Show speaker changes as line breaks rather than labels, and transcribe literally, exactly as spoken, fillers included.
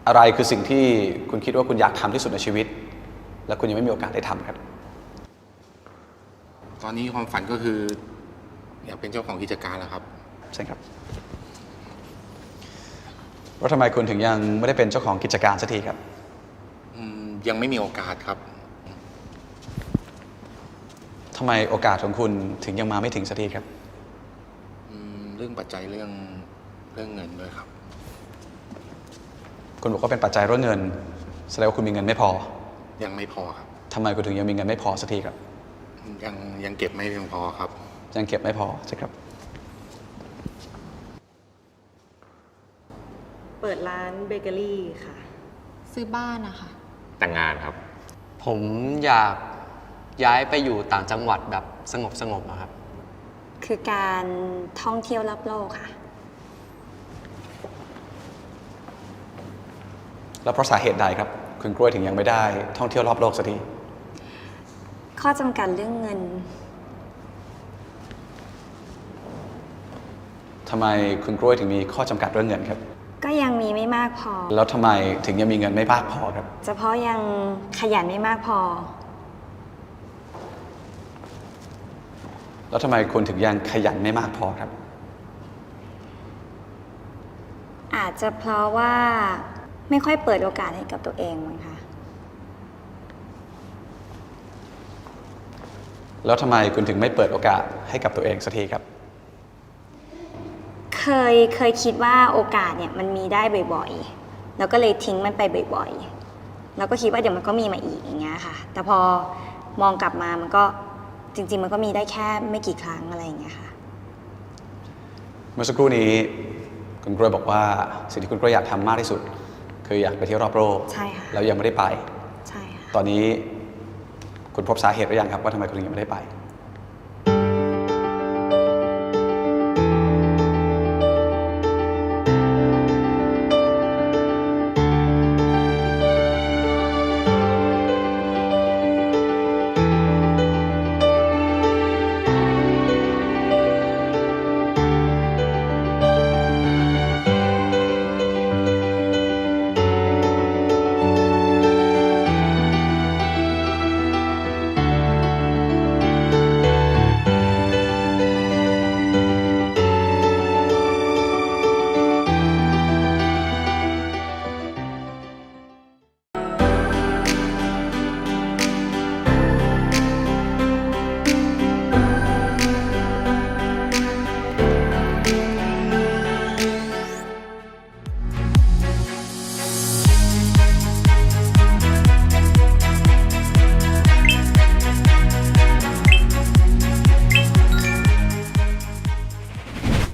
อะไรคือสิ่งที่คุณคิดว่าคุณอยากทำที่สุดในชีวิตและคุณยังไม่มีโอกาสได้ทำครับ
ตอนนี้ความฝันก็คืออยากเป็นเจ้าของกิจการแล้วครับ
ใช่ครับว่าทำไมคุณถึงยังไม่ได้เป็นเจ้าของกิจการสักทีครับ
ยังไม่มีโอกาสครับ
ทำไมโอกาสของคุณถึงยังมาไม่ถึงสักทีครับ
เรื่องปัจจัยเรื่องเรื่องเงินด้วยครับ
คุณบอกว่าเป็นปัจจัยเรื่องเงินแสดงว่าคุณมีเงินไม่พอ
ยังไม่พอครับ
ทำไมคุณถึงยังมีเงินไม่พอสักทีครับ
ยังยังเก็บไม่เพียงพอครับ
ยังเก็บไม่พอใช่ครับ
เปิดร้านเบเกอรี่ค่ะ
ซื้อบ้านนะคะ
แต่งงานครับ
ผมอยากย้ายไปอยู่ต่างจังหวัดแบบสงบสงบนะครับ
คือการท่องเที่ยวรอบโลกค่ะ
แล้วเพราะสาเหตุใดครับคุณกล้วยถึงยังไม่ได้ท่องเที่ยวรอบโลกสักที
ข้อจำกัดเรื่องเงิน
ทำไมคุณกล้วยถึงมีข้อจำกัดเรื่องเงินครับ
ก็ยังมีไม่มากพอ
แล้วทำไมถึงยังมีเงินไม่มากพอครับ
เฉพาะยังขยันไม่มากพอ
แล้วทำไมคุณถึงยังขยันไม่มากพอครับ
อาจจะเพราะว่าไม่ค่อยเปิดโอกาสให้กับตัวเองมั้งคะ
แล้วทำไมคุณถึงไม่เปิดโอกาสให้กับตัวเองสักทีครับ
เคยเคยคิดว่าโอกาสเนี่ยมันมีได้บ่อยๆแล้วก็เลยทิ้งมันไปบ่อยๆแล้วก็คิดว่าเดี๋ยวมันก็มีมาอีกอย่างเงี้ยค่ะแต่พอมองกลับมามันก็จริงๆมันก็มีได้แค่ไม่กี่ครั้งอะไรอย่างเงี้ยค่ะ
เมื่อสักครู่นี้คุณกล้วยบอกว่าสิ่งที่คุณกล้วยอยากทำมากที่สุดคืออยากไปเที่ยวรอบโลก
ใช่ค่ะ
แล้วยังไม่ได้ไป
ใช่ค่ะ
ตอนนี้คุณพบสาเหตุหรือยังครับว่าทำไมคุณถึงยังไม่ได้ไป